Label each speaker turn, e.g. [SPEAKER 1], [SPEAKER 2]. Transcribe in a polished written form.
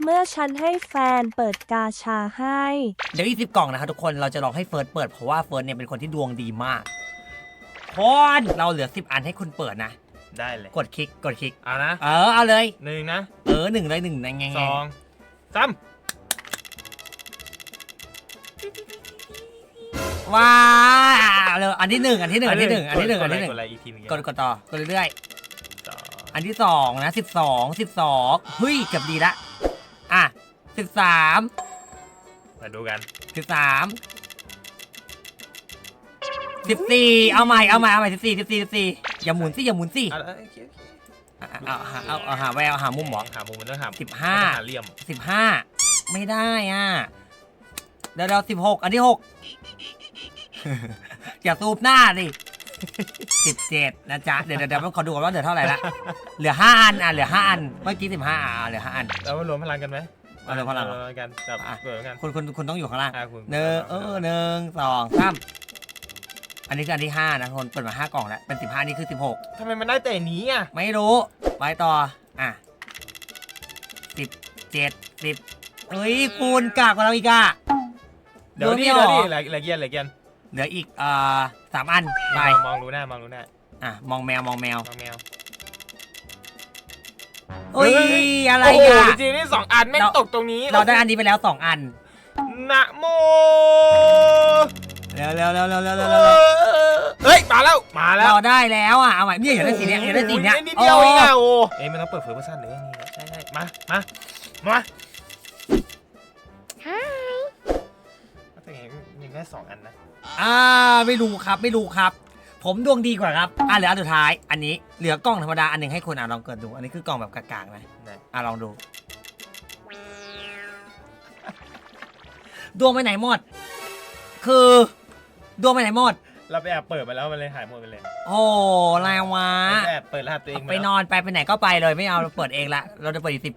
[SPEAKER 1] มื่อฉันให้แฟนเปิดกาชาให้
[SPEAKER 2] เดี๋ยวอีก10 กล่องนะครับทุกคนเราจะลองให้เฟิร์สเปิดเพราะว่าเฟิร์สเนี่ยเป็นคนที่ดวงดีมากพอนเราเหลือ10 อันให้คุณเปิดนะ
[SPEAKER 3] ได้เลย
[SPEAKER 2] กดคลิก
[SPEAKER 3] เอานะ
[SPEAKER 2] เอาเลย
[SPEAKER 3] 1นะ
[SPEAKER 2] หนึ่งเลย1ไง
[SPEAKER 3] 2 3
[SPEAKER 2] ว้าวเลยอันที่1
[SPEAKER 3] กดอะไรอีกทีนึง
[SPEAKER 2] กดต่อกดเรื่อยๆอันที่2นะ12เฮ้ยเกือบดีละอ่ะ13
[SPEAKER 3] มาดูกัน
[SPEAKER 2] 13 14เอาใหม่14อย่าหมุนสิเอาหาแววหามุมหรอ
[SPEAKER 3] หามุมมันต้องหา
[SPEAKER 2] 15
[SPEAKER 3] เหลี่ยม
[SPEAKER 2] 15ไม่ได้อ่ะเดี๋ยว16อันที่6อย่าซูบหน้าดิ17นะจ๊ะเดี๋ยวขอดูก่อนว่าเหลือเท่าไหร่ละเหลือ5 อันเหลือ5 อันเมื่อกี้15เหลือ5 อัน
[SPEAKER 3] แล้วรวมพลังกันไหม
[SPEAKER 2] รวมพลัง
[SPEAKER 3] กันจับเปิดกัน
[SPEAKER 2] คุณต้องอยู่ข้างล่าง1 2 3อันนี้คืออันที่5นะคนเปิดมา5 กล่องแล้วเป็น15นี่คือ16
[SPEAKER 3] ทำไมมันได้แต่นี้อ่ะ
[SPEAKER 2] ไม่รู้ไปต่ออ่ะ17 10เฮ้ยคุณกากกว่าเราอีกอ่ะ
[SPEAKER 3] เดี๋ยวนี่เหลือเกียน
[SPEAKER 2] เหลืออีก3 อันไป
[SPEAKER 3] มองรู้หน้า
[SPEAKER 2] อ่ะมองแมว
[SPEAKER 3] เฮ้ย
[SPEAKER 2] อะไรอ่ะ
[SPEAKER 3] จริงนี่2 อันไม่ตกตรงนี้
[SPEAKER 2] เราได้อันนี้ไปแล้ว2 อัน
[SPEAKER 3] นะโม
[SPEAKER 2] เร็ว
[SPEAKER 3] เฮ้ยมาแล้ว
[SPEAKER 2] เราได้แล้วอ่ะเอาใหม่เนี่ยอยากได้สีเนี้ย
[SPEAKER 3] นิดเดียวเองอ่ะโอ้มันต้องเปิดเฟอร์ชั่นเลยนี่ใช่มาแต่ยังได้2 อันนะ
[SPEAKER 2] ไม่รู้ครับผมดวงดีกว่าครับเหลืออันสุดท้ายอันนี้เหลือกล่องธรรมดาอันหนึ่งให้คุณลองเกิดดูอันนี้คือกล่องแบบกากๆนะลองดูดวงไปไหนหมดคือดวงไปไหนหมด
[SPEAKER 3] เราไปแอบเปิดมาแล้วมันเลยหายหมดไปเลย
[SPEAKER 2] โอ้ไรวะ
[SPEAKER 3] แอบเปิดรหัสตัวเอง
[SPEAKER 2] ไปนอนไปไหนก็ไปเลยไม่เอาเราเปิดเองละเราจะเปิดอีก